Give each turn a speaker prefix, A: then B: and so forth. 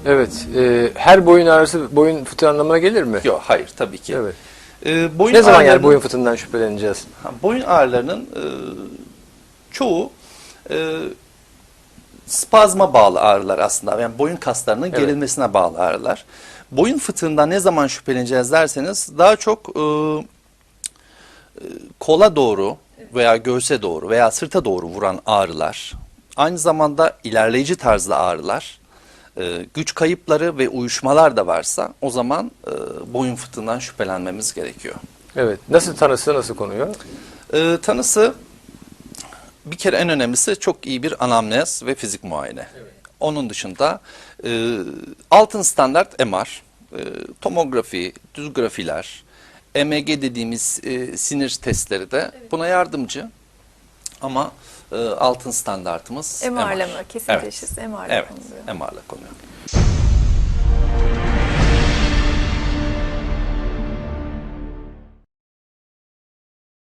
A: Evet. Her boyun ağrısı boyun fıtığı anlamına gelir mi?
B: Yok, hayır tabii ki.
A: Evet.
B: Boyun
A: Ne zaman yani
B: ağrılarının-
A: boyun fıtığından şüpheleneceğiz?
B: Boyun ağrılarının çoğu spazma bağlı ağrılar aslında. Yani boyun kaslarının
A: Evet.
B: gerilmesine bağlı ağrılar. Boyun fıtığından ne zaman şüpheleneceğiz derseniz daha çok kola doğru veya göğse doğru veya sırta doğru vuran ağrılar, aynı zamanda ilerleyici tarzda ağrılar, güç kayıpları ve uyuşmalar da varsa o zaman boyun fıtığından şüphelenmemiz gerekiyor.
A: Evet. Nasıl tanısı, nasıl konuyor?
B: Tanısı bir kere en önemlisi çok iyi bir anamnez ve fizik muayene. Evet. Onun dışında altın standart MR, tomografi, düz grafiler, EMG dediğimiz sinir testleri de buna yardımcı. Ama altın standartımız
C: MR'la
B: MR.
C: mı? Kesin teşhis MR'la
B: Evet,
C: konuluyor.
B: MR'la konuyor.